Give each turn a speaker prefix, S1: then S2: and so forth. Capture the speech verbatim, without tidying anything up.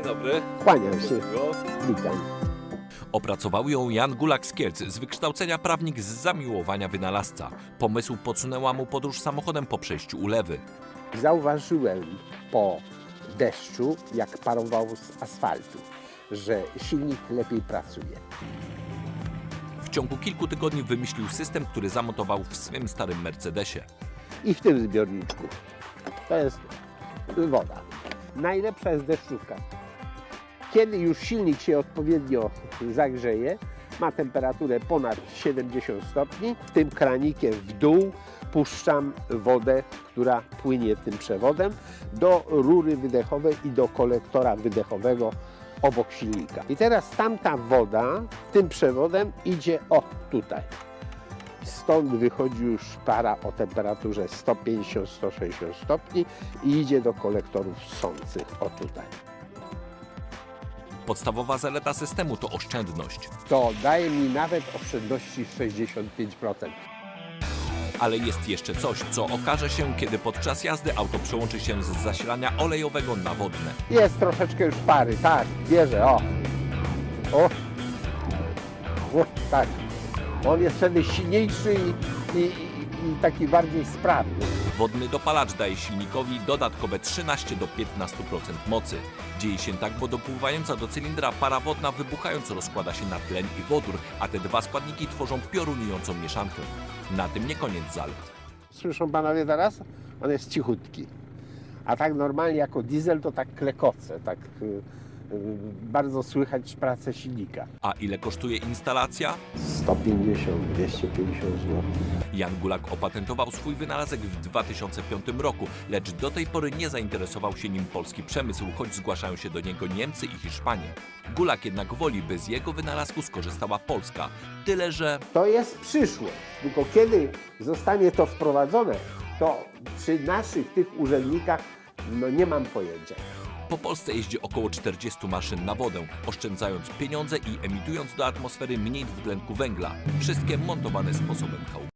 S1: dobry.
S2: Kłaniam się.
S1: Miło.
S2: Witam.
S3: Opracował ją Jan Gulak z Kielc, z wykształcenia prawnik, z zamiłowania wynalazca. Pomysł podsunęła mu podróż samochodem po przejściu ulewy.
S2: Zauważyłem po deszczu, jak parował z asfaltu, że silnik lepiej pracuje.
S3: W ciągu kilku tygodni wymyślił system, który zamontował w swym starym Mercedesie.
S2: I w tym zbiorniczku. To jest woda. Najlepsza jest deszczówka. Kiedy już silnik się odpowiednio zagrzeje, ma temperaturę ponad siedemdziesiąt stopni, tym kranikiem w dół puszczam wodę, która płynie tym przewodem do rury wydechowej i do kolektora wydechowego obok silnika. I teraz tamta woda tym przewodem idzie o tutaj. Stąd wychodzi już para o temperaturze sto pięćdziesiąt do stu sześćdziesięciu stopni i idzie do kolektorów ssących o tutaj.
S3: Podstawowa zaleta systemu to oszczędność.
S2: To daje mi nawet oszczędności sześćdziesiąt pięć procent.
S3: Ale jest jeszcze coś, co okaże się, kiedy podczas jazdy auto przełączy się z zasilania olejowego na wodne.
S2: Jest troszeczkę już pary, tak, bierze, o. O, o tak. On jest wtedy silniejszy i, i, i, i taki bardziej sprawny.
S3: Wodny dopalacz daje silnikowi dodatkowe trzynaście do piętnastu procent mocy. Dzieje się tak, bo dopływająca do cylindra para wodna wybuchając rozkłada się na tlen i wodór, a te dwa składniki tworzą piorunującą mieszankę. Na tym nie koniec zalet.
S2: Słyszą panowie teraz? On jest cichutki. A tak normalnie jako diesel to tak klekoce, tak y, y, bardzo słychać pracę silnika.
S3: A ile kosztuje instalacja?
S2: sto pięćdziesiąt do dwieście pięćdziesiąt złotych.
S3: Jan Gulak opatentował swój wynalazek w dwa tysiące piątym roku, lecz do tej pory nie zainteresował się nim polski przemysł, choć zgłaszają się do niego Niemcy i Hiszpanie. Gulak jednak woli, by z jego wynalazku skorzystała Polska. Tyle, że
S2: To jest przyszłość. Tylko kiedy zostanie to wprowadzone, to przy naszych tych urzędnikach no nie mam pojęcia.
S3: po Polsce jeździ około czterdziestu maszyn na wodę, oszczędzając pieniądze i emitując do atmosfery mniej dwutlenku węgla. Wszystkie montowane sposobem chałup.